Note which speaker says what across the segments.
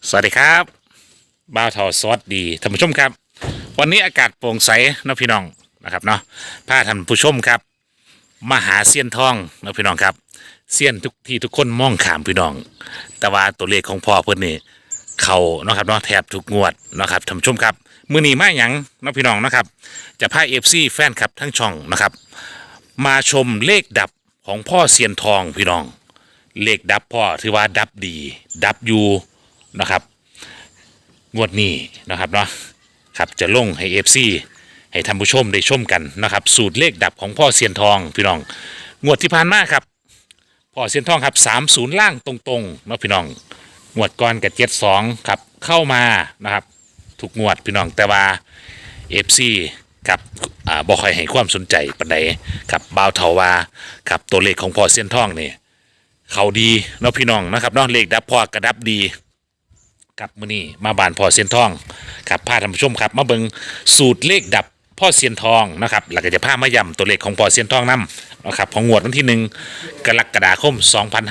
Speaker 1: สวัสดีครับบ้าวทอสวัสดีท่านผู้ชมครับวันนี้อากาศโปร่งใสนะพี่น้องนะครับเนาะพาท่านผู้ชมครับมาหาเซียนทองนะพี่น้องครับเซียนทุกที่ทุกคนมองขามพี่น้องแต่ว่าตัวเลขของพ่อเพิ่นนี่เขาเนาะครับเนาะแทบทุกงวดนะครับท่านผู้ชมครับมื้อนี้มาหยังนะพี่น้องนะครับจะพา FC แฟนคลับทั้งช่องนะครับมาชมเลขดับของพ่อเซียนทองพี่น้องเลขดับพ่อถือว่าดับดีดับอยู่นะครับงวดนี้นะครับเนาะครับจะลงให้ FC ให้ท่านผู้ชมได้ชมกันนะครับสูตรเลขดับของพ่อเซียนทองพี่น้องงวดที่ผ่านมาครับพ่อเซียนทองครับ30ล่างตรงๆเนาะพี่น้องงวดก่อนกับ72ครับเข้ามานะครับทุกงวดพี่น้องแต่ว่า FC ครับบ่ค่อยให้ความสนใจปานใดครับบ่าวเฒ่าว่าครับตัวเลขของพ่อเซียนทองนี่เขาดีเนาะพี่น้องนะครับเนาะเลขดับพ่อกระดับดีครับมื้อนี้มาบ้านพ่อเซียนทองครับพาท่านผู้ชมครับมาเบิ่งสูตรเลขดับพ่อเซียนทองนะครับแล้วก็จะพามาย้ำตัวเลขของพ่อเซียนทองนํนะครับของงวดวันที่1กรกฎาคม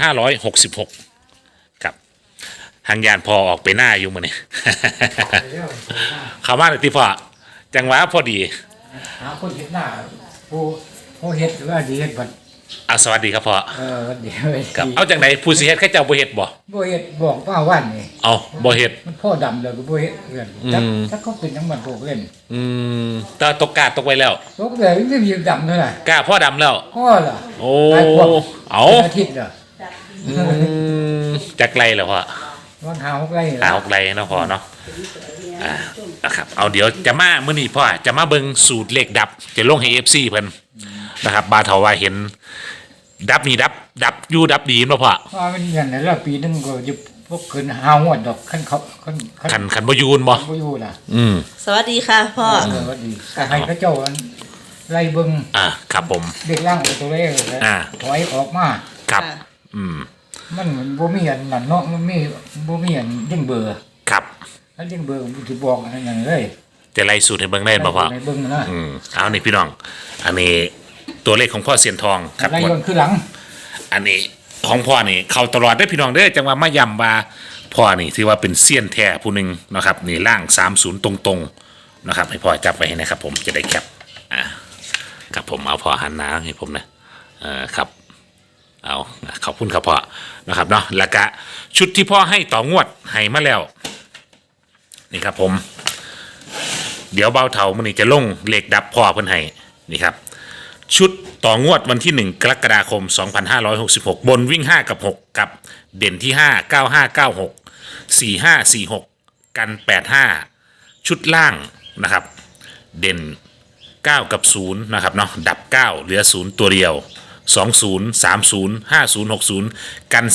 Speaker 1: 2566ครับทางยานพอออกไปหน้าอยู่มื้อนี้ เข้ามาเลยที่พ่อจังหวะพอดี
Speaker 2: หาคนเห็ดหน้าผู้ผู้เห็ดว่าดีเห็ดบัด
Speaker 1: สวัสดีครับพ่อ
Speaker 2: วันดี
Speaker 1: ครับเอาจังไหนผู้สิเฮ็ดแค่เจ้าบ่เฮ็ดบ่
Speaker 2: บ่เห็ดบอกว่าวันนี่
Speaker 1: เอาบ่เฮ็ด
Speaker 2: มันพ่อดำเลยก็บ่เห็ดเพื่อนถ้าเขาเป็นน้ำมันพวกเล่น
Speaker 1: ตาตกกาตกไว้แล้ว
Speaker 2: ตกเลยไม่มีดำเท่าไหร่
Speaker 1: กาพ่อดำแล้ว
Speaker 2: พ่อล่ะ
Speaker 1: โอ้เอา
Speaker 2: อาทิตย์ล่ะ
Speaker 1: จักไรแล้วพ่อ
Speaker 2: วันหา6 ไร่
Speaker 1: หา6 ไร่เนาะพ่อเนาะนะครับเอาเดี๋ยวจะมามื้อนี้พ่อจะมาเบิ่งสูตรเลขดับจะลงให้ FC เพิ่นนะครับบาเฒ่าว่าเห็นดับนี่ดับอยู่ดับดีบ่พ่อ
Speaker 2: ว่ามันอย่างนั้นแล้วปีนึงก็อยู่พวกขึ้น5 งวดดอกคันเขา
Speaker 1: คันบ่อยู่บ่
Speaker 2: อยู่ล่ะ
Speaker 3: สวัสดีค่ะพ่อ
Speaker 2: สวัสดีก็ให้เขาเจ้าไล่เบิ่ง
Speaker 1: ครับผม
Speaker 2: เด็กล่างตัวเลขถอยออกมา
Speaker 1: ครับ
Speaker 2: มันบ่มีอันนั่นเนาะมันมีบ่มีอันยิ่งเบอร์
Speaker 1: ครับ
Speaker 2: ถ้ายิ่งเบอร์มันสิบอกอันนั้นเลย
Speaker 1: จะไล่สูตรให้เบิ่งได้บ่พ่อ
Speaker 2: เบิ่งนะ
Speaker 1: เอานี่พี่น้องอันนี้ตัวเลขของพ่อเซียนทองครับ
Speaker 2: ไล่ย้อนคือหลัง
Speaker 1: อันนี้ของพ่อนี่เข้าตลอดได้พี่น้องเด้อจังว่ามาย้ำว่าพ่อนี่ถือว่าเป็นเซียนแท้ผู้หนึงนะครับนี่ล่าง30ตรงๆนะครับให้พ่อจับไว้ให้นะครับผมจะได้แคปครับผมเอาพ่อหันหน้าให้ผมนะครับเอาขอบคุณครับพ่อนะครับเนาะแล้วก็ชุดที่พ่อให้ต่องวดให้มาแล้วนี่ครับผมเดี๋ยวเบาเถามันนี่จะลงเลขดับพ่อเพิ่นให้นี่ครับชุดต่องวดวันที่1กรกฎาคม2566บนวิ่ง5กับ6กับเด่นที่5 9596 4546กัน85ชุดล่างนะครับเด่น9กับ0นะครับเนาะดับ9เหลือ0ตัวเดียว20 30 50 60กัน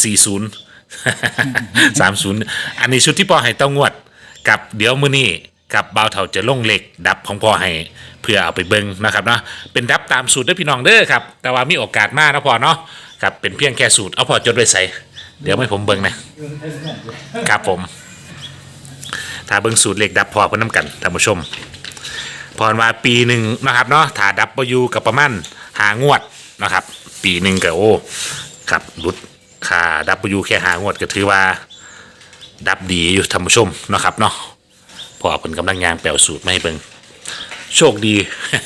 Speaker 1: 40 30อันนี้ชุดที่พ่อให้ต้องงวดกับเดี๋ยวมื้อนี้กับบ่าวเฒ่าจะลงเหล็กดับของพ่อให้เพื่อเอาไปเบิ่งนะครับเนาะเป็นดับตามสูตรเด้อพี่น้องเด้อครับแต่ว่ามีโอกาสมากนะพ่อเนาะครับเป็นเพียงแค่สูตรเอาพ่อจดไว้ใส่เดี๋ยวให้ผมเบิ่งนะครับผมถ้าเบิ่งสูตรเหล็กดับพ่อเพิ่นนำกันท่านผู้ชมพรว่าปีหนึ่งนะครับเนาะถ้าดับบ่อยู่กับประมาณ5 งวดนะครับปีหนึ่งก็โอ้ครับรุดค่าดับอยู่แค่5 งวดก็ถือว่าดับดีอยู่ท่านผู้ชมนะครับเนาะพอเพิ่นกำลังยางแปลสูตรมาให้เบิ่งโชคดี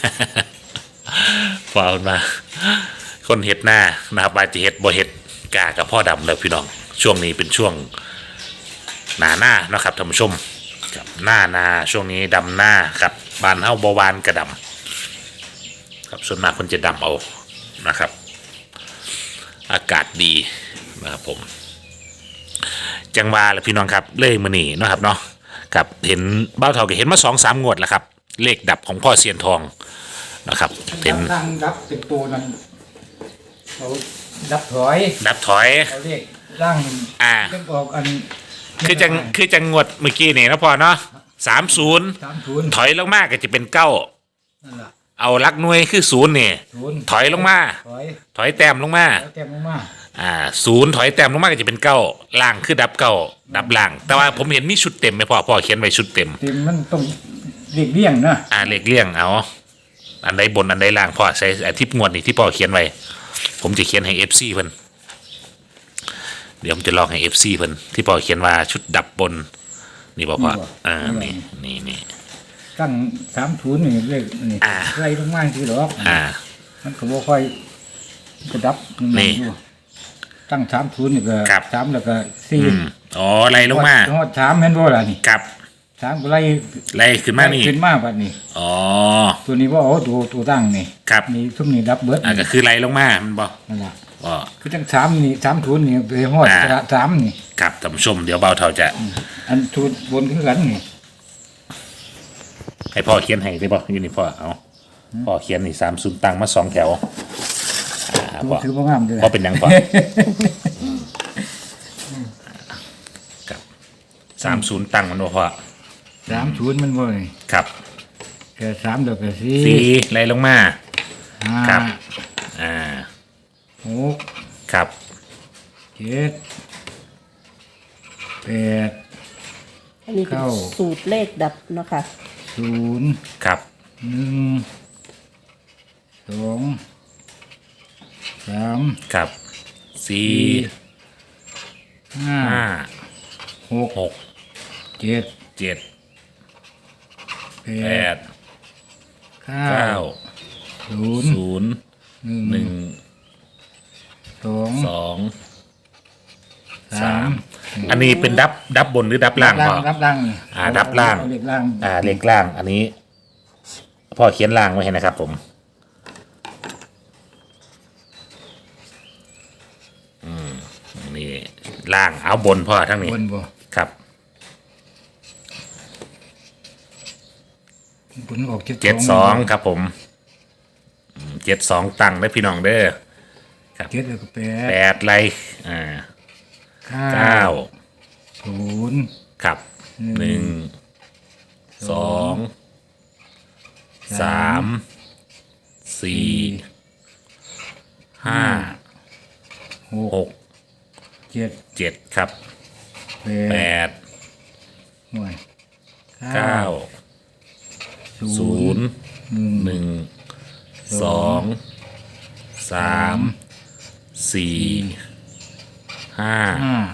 Speaker 1: พอเพิ่นมาคนเฮ็ดหน้านะครับว่าจะเฮ็ดบ่เฮ็ดกากับพ่อดำแล้วพี่น้องช่วงนี้เป็นช่วงหน้านะครับท่านผู้ชมกับหน้าช่วงนี้ดำหน้าครับบ้านเฮาบ่หวานกระดำครับส่วนมากเพิ่นจะดำเอานะครับอากาศดีนะครับผมจังหวะแหละพี่น้องครับเล่มื้อนี้นะครับเนาะครับเห็นเบ้าเฒ่าก็เห็นมา2-3 งวดแล้วครับเลขดับของพ่อเซียนทองนะครับเป็น
Speaker 2: ทางดับเป็นตัวนั้นเขาดับถอยเขาเรียกร่างเรื่องออกอัน
Speaker 1: คือจังงวดเมื่อกี้นี่นะพ่อเนาะ30ถอยลงมาก็จะเป็น9นั่นล่ะเอาลักหน่วยคือ0นี่ถอยลงมาถอยแต้มลงมา0ถอยแต้มลงมาก็จะเป็น9ล่างคือดับ9ดับล่างแต่ว่าผมเห็นมีชุดเต็มไหมพ่อเขียนไว้ชุดเต็ม
Speaker 2: มันต้องเลขเลี่ยงนะ
Speaker 1: เลขเลี่ยงเอาอันใดบนอันใดล่างพ่อใช้ทิปงวดนี่ที่พ่อเขียนไว้ผมจะเขียนให้ FC เพิ่นเดี๋ยวผมจะลองให้ FC เพิ่นที่พ่อเขียนว่าชุดดับบนนี่บ่พ่อนี่
Speaker 2: ตั้ง30นี่เลขนี่ไล่ลงมาคือดอกมันก็บ่ค่อยกระดับอยู่ตั้ง30นี่ก็3แล้วก็4
Speaker 1: อ๋อไล่ลงมา
Speaker 2: ฮอด3แม่นบ่ล่ะนี่
Speaker 1: ครับ
Speaker 2: 3ก็ไล่
Speaker 1: ขึ้นมานี่
Speaker 2: ขึ้นมาบัดนี้
Speaker 1: อ๋อ
Speaker 2: ตัวนี้บ่เอาตัวตั้งนี่
Speaker 1: ครับ
Speaker 2: นี่ซุมนี้ดับเบิด
Speaker 1: ก็คือไล่ลงมามันบ่
Speaker 2: นั่นล่ะคือจัง3นี่30นี่ไปฮอด3นี่
Speaker 1: ครับท่านผู้ชมเดี๋ยวเบาเท่าจะ
Speaker 2: อันชุดบนคือกันนี่
Speaker 1: ให้พ่อเขียนให้ได้ป่ะอยู่นี่พ่อเอาพ่อเขียนนี่30ตั้งมา2แถว
Speaker 2: พ่อถือว่างามด้วย
Speaker 1: พ่อเป็นยังพ่อครับ30ตั้งมันบ่พ่อ
Speaker 2: 30มันบ่นี่
Speaker 1: ครับ
Speaker 2: แค่3แล้วก็
Speaker 1: 4ไล่ลงมาครับ
Speaker 2: 6
Speaker 1: ครับ
Speaker 2: 7 8
Speaker 3: อันนี้เป็นสูตรเลขดับเนาะค่ะ
Speaker 2: 0
Speaker 1: ครับ
Speaker 2: 1 2 3
Speaker 1: ครับ4 5 6 7 8 9 0 1 2 3อันนี้เป็นดับบนหรือดับล่างพ่อ
Speaker 2: ดับล่าง
Speaker 1: ดับล่าง
Speaker 2: เลขล่าง
Speaker 1: เลขล่างอันนี้พ่อเขียนล่างไว้ให้นะครับผมนี่ล่างเอาบนพ่อทั้งนี้
Speaker 2: บนบ่
Speaker 1: ครับ
Speaker 2: บนออก
Speaker 1: 72ครับผม72ตั้งได้พี่น้องเด้อครับ
Speaker 2: 7แล้วก็
Speaker 1: 8ไล่9
Speaker 2: 0
Speaker 1: ครับ1 2 3 4 5 6 7ครับ8 9 0 1 2 3 4 5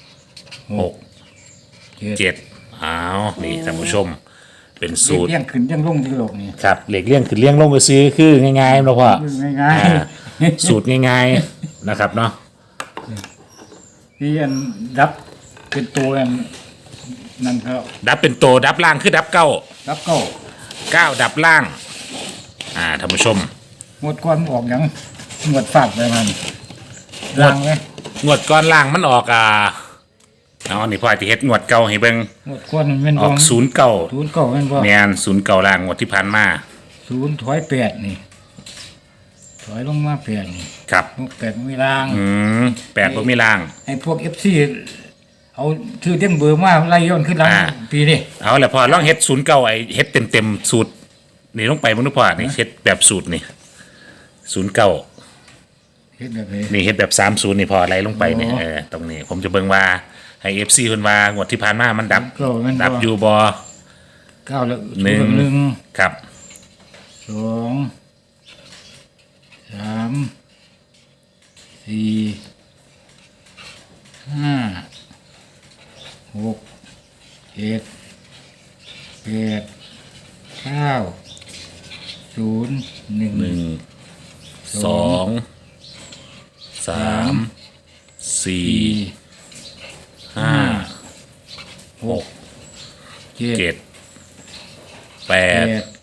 Speaker 1: 6 7อ้าวนี่ท่านผู้ชมเป็นสูตร
Speaker 2: เลี้ยงขึ้นเลี้ยงลงที่โลกนี่
Speaker 1: ครับเหล็กเลี้ยงขึ้นเลี้ยงลงก็ซื้อคือง่ายๆนะพ่อ
Speaker 2: ง่าย
Speaker 1: ๆสูตรง่ายๆนะครับเนาะ
Speaker 2: ที่อันดับเป็นตัวอันนั่นก็
Speaker 1: ดับเป็นโตดับล่างคือดับ9ดับล่างท่านผู้ชม
Speaker 2: งวดก้อนออกอย่างงวดฝาดไปมันล่างไหม
Speaker 1: งวดก้อนล่างมันออกนี่พ่อจะเฮ็ดงวดเก่าให้เบิ่ง
Speaker 2: งวดก้อนมัน
Speaker 1: ออก09
Speaker 2: แม่นบ่
Speaker 1: แม่น09ล่างงวดที่ผ่านมา
Speaker 2: 0ถอย8นี่ถอยลงมา8นี่
Speaker 1: ครับ
Speaker 2: 8มีล่าง
Speaker 1: 8บ่มีล่าง
Speaker 2: ให้พวก FC เอาชื่อเต็มเบอร์มาไล่ย้อนขึ้นหลังปีนี้
Speaker 1: เอาล่ะพ่อลองเฮ็ด09เฮ็ดเต็มสูตรนี่ลงไปบ่รู้พ่อนี่เฮ็ดแบบสูตรนี่09
Speaker 2: เฮ็ดแบบนี้
Speaker 1: นี่เฮ็ดแบบ30นี่พออะไรลงไปนี่ตรงนี้ผมจะเบิ่งว่าให้ FC เพิ่นว่างวดที่ผ่านมามันดับอยู่บ่
Speaker 2: 9แล้ว
Speaker 1: 1ครับ
Speaker 2: 2 3 4 5 6 7 8 9 0 1
Speaker 1: 2 3 4 5 6 7 8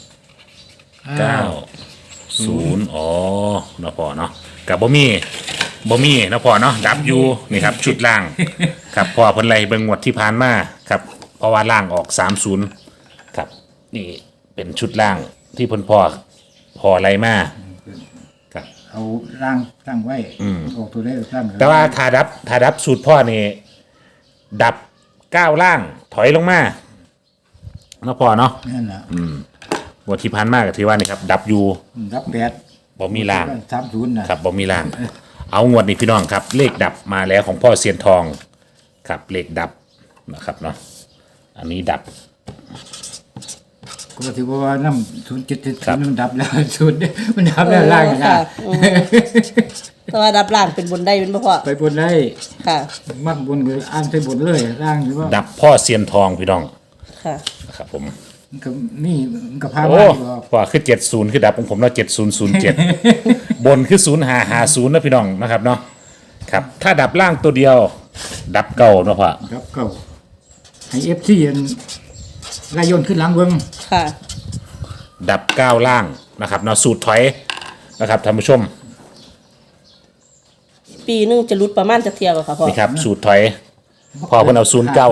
Speaker 1: 9 0อ๋อเนาะพ่อเนาะกับบ่มีเนาะพ่อเนาะดับอยู่นี่ครับชุดล่างครับพ่อเพิ่นไล่เบิ่งงวดที่ผ่านมาครับเพราะว่าล่างออก30ครับนี่เป็นชุดล่างที่เพิ่นพ่อไล่มาครับ
Speaker 2: เอาล่างตั้งไว้ออกตัวได้ตั้ง
Speaker 1: แต่ว่าถ้าดับสูตรพ่อนี่ดับ9ล่างถอยลงมาเนาะพ่อเนาะ
Speaker 2: นั่นแหละ
Speaker 1: งวดที่ผ่านมาก็ถือว่านี่ครับดับอยู่
Speaker 2: ดับ8
Speaker 1: บ่มีล่าง
Speaker 2: 30
Speaker 1: นะครับบ่มีล่างเอางวดนี้พี่น้องครับเลขดับมาแล้วของพ่อเซียนทองครับเลขดับนะครับเนาะอันนี้ดับ
Speaker 2: ก็ถือว่าน้ำ07มันดับแล้ว0มันดับแล้วล่างนะ
Speaker 3: แต่ว่าดับล่างเป็นบนได้เป็นบ่พ่อ
Speaker 2: ไปบนได้
Speaker 3: ค่ะ
Speaker 2: มักบนก็อ่านไปบนเลยร่างอยู่ว่า
Speaker 1: ดับพ่อเซียนทองพี่น้อง
Speaker 3: ค่ะ
Speaker 1: นะครับผม
Speaker 2: มันก็มีมันก็พา
Speaker 1: โอ้
Speaker 2: มาอยู่ว่า
Speaker 1: พ่อคือ70คือดับของผมแล้ว7007 บนคือ0550นะพี่น้องนะครับเนาะครับถ้าดับล่างตัวเดียว ดับเก่าเนาะพ่อ
Speaker 2: ครับเก่าให้เอฟซีไล่ย่นขึ้นหลังเบิ่ง
Speaker 3: ค่ะ
Speaker 1: ดับ9ล่างนะครับเนาะสูตรถอยนะครับท่านผู้ชม
Speaker 3: ปีหนึงจะรุดประมาณจักเที่ยวบ่ค่ะพ่อ
Speaker 1: นี่ครับสูตรถอยพอเพิ่นเอา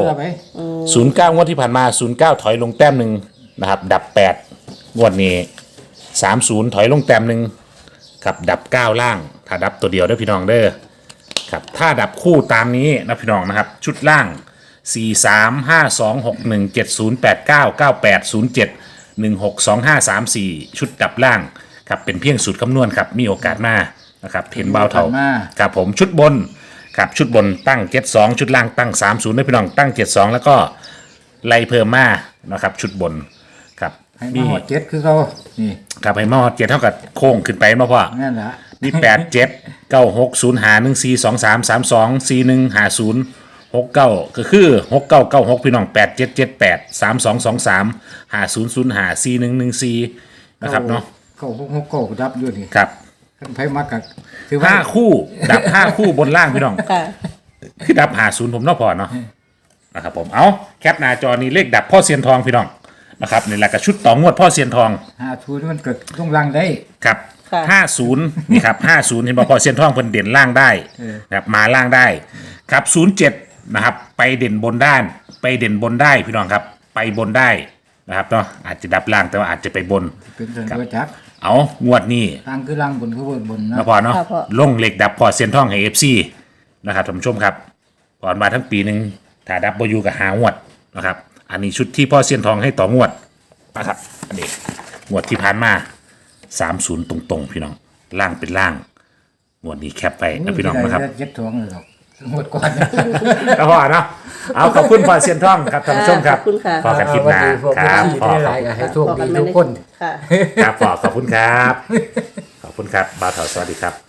Speaker 1: 09งวดที่ผ่านมา09ถอยลงแต้มหนึ่งนะครับดับ8งวดนี้30ถอยลงแต้มหนึ่งครับดับ9ล่างถ้าดับตัวเดียวเด้อพี่น้องเด้อครับถ้าดับคู่ตามนี้นะพี่น้องนะครับชุดล่าง 4 3 5 2 6 1 7 0 8 9 9 8 0 7 1 6 2 5 3 4 ชุดดับล่างครับเป็นเพียงสูตรคำนวณครับมีโอกาสมานะครับเห็นเบาเท่าครับผมชุดบนครับชุดบนตั้ง72ชุดล่างตั้ง30นะพี่น้องตั้ง72แล้วก็ไล่เพิ่มมานะครับชุดบนครับ
Speaker 2: ให้มาหอดเจ็ดคือเขานี่
Speaker 1: ครับให้มา7เท่ากับโค้งขึ้นไปมาพ่อ
Speaker 2: นั่นแหละ
Speaker 1: มี8 7 9 6 0 5 1 4 2 3 3 2 4 1 5 0 6 9ก็คือ6 9 9 6พี่น้อง8 7 7 8 3 2 2 3 5 0 0 5 4 1 1 4นะครับเนาะ
Speaker 2: เขาเก่าดับอยู่นี่
Speaker 1: ครับ
Speaker 2: คันไผมักก็ถือว่า
Speaker 1: 5คู่ดับ5คู่บนล่างพี่น้อง
Speaker 3: ค่ะ
Speaker 1: คือดับ50ผมเนาะพอเนาะนะครับผมเอาแคปหน้าจอนี้เลขดับพ่อเซียนทองพี่น้องนะครับนี่แหละก็ชุดต่องวดพ่อเซียนทอง
Speaker 2: 50มันเกิดต้องลังได้
Speaker 1: ครับ
Speaker 3: ค่ะ
Speaker 1: 50นี่ครับ50เห็นบอกพ่อเซียนทองเพิ่นเด่นล่างได้
Speaker 2: เออ
Speaker 1: นะครับมาล่างได้ครับ07นะครับไปเด่นบนด้าน ไปเด่นบนได้พี่น้องครับไปบนได้นะครับเนาะอาจจะดับล่างแต่ว่าอาจจะไปบน
Speaker 2: เป็นเรื่องจัก
Speaker 1: เอางวดนี้
Speaker 2: ทางคือลังบนคือบนนะ
Speaker 1: นะพอเนาะ
Speaker 3: ครับพ่อ
Speaker 1: ลงเหล็กดับพอเซียนทองให้ FC นะครับท่านผู้ชมครับก่อนมาทั้งปีหนึ่งถ้าดับเบิลยูกับหางวดนะครับอันนี้ชุดที่พ่อเซียนทองให้ต่องวดนะครับอันนี้งวดที่ผ่านมา30ตรงๆพี่น้องล่างเป็นล่างงวดนี้แคปไปนะพี่น้องนะครับ
Speaker 2: เจ็ดทวงเลยหรอกหมดก่อน
Speaker 1: แล้วพอเนาะเอาขอบคุณพ่อเซียนทองครับท่านผู้ชมครับ
Speaker 3: ขอบคุณค่ะ
Speaker 1: พอกันคลิปหน้าครับพ่อ
Speaker 2: ได้หลายก็ให้โชคดีทุกคน
Speaker 3: ค่ะ
Speaker 1: ครับพ่อขอบคุณครับขอบคุณครับบ่าวเถาสวัสดีครับ